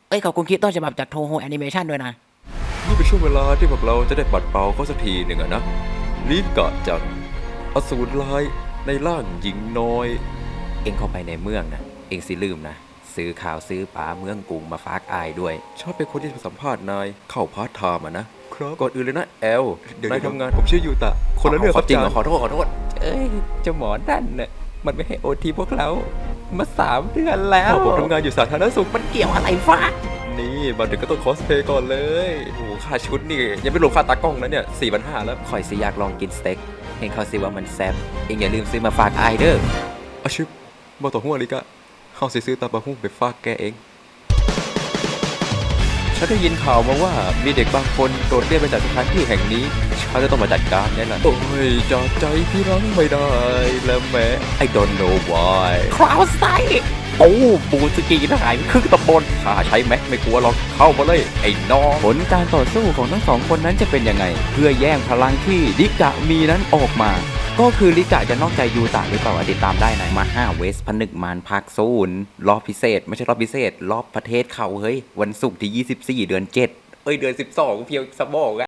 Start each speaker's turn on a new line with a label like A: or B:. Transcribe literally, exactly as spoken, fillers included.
A: เอ้ยขอบคุณคลิปต้นฉบับจากโทโฮแอนิเมชันด้วยนะ
B: นี่เป็นช่วงเวลาที่พวกเราจะได้ปัดเป่าเขาสักทีหนึ่งอะนะลีกะจากอสูรร้ายในร่างหญิงน้อยเอ็งเข้าไปในเมืองนะเอ็งสิลืมนะซื้อข่าวซื้อปลาเมืองกรุงมาฝากอายด้วยชอบเป็นคนที่จะสัมภาษณ์นายเข้าพาร์ทไทม์อะนะครับก่อนอื่นเลยนะแอลนายทำงานผมชื่อยูตะคนละเรื่องครับจริงขอโทษขอโทษเอ้ยเจ้าหมอนั่นน่ะมันไม่ให้โอทีพวกเรามาสามเดือนแล้วผมทำงานอยู่สาธารณสุขมัน
A: เกี่ยวอะไรฟ้า
B: นี่มาถึงก็ต้องคอสเพลย์ก่อนเลยโอ้โหค่าชุดนี่ยังไม่รวมค่าตากล้องนะเนี่ยสี่พันห้าแล้วคอยสิอยากลองกินสเต็กเห็นเขาสิว่ามันแซ่บเองอย่าลืมซื้อมาฝากไอเด้ออาชิบมาต่อหัวลิกะเขาสิซื้อตาบะหุ่งไปฝากแกเองฉันได้ยินข่าวมาว่ามีเด็กบางคนโดดเรียนไปจากสถานที่แห่งนี้ฉันจะต้องมาจัดการนี่แหละโอ้ยจากใจพี่รังไม่ได้แล้วแม้ I don't know why
A: คราวไซโอ้บูสกีทหารครึ่งตำบลข้าใช้แม็กไม่กลัวหรอกเข้ามาเลยไอ้น้องผลการต่อสู้ของทั้งสองคนนั้นจะเป็นยังไง เพื่อแย่งพลังที่ลิกะมีนั้นออกมา ก็คือลิกะจะนอกใจยูตะหรือเปล่าติดตามได้ในมาห้าเวสผนึกมารภาคศูนย์รอบพิเศษไม่ใช่รอบพิเศษรอบประเทศเขาเฮ้ยวันศุกร์ที่ยี่สิบสี่เดือนเจ็ดเอ้ยเดือนสิบสองเพียวสมองอะ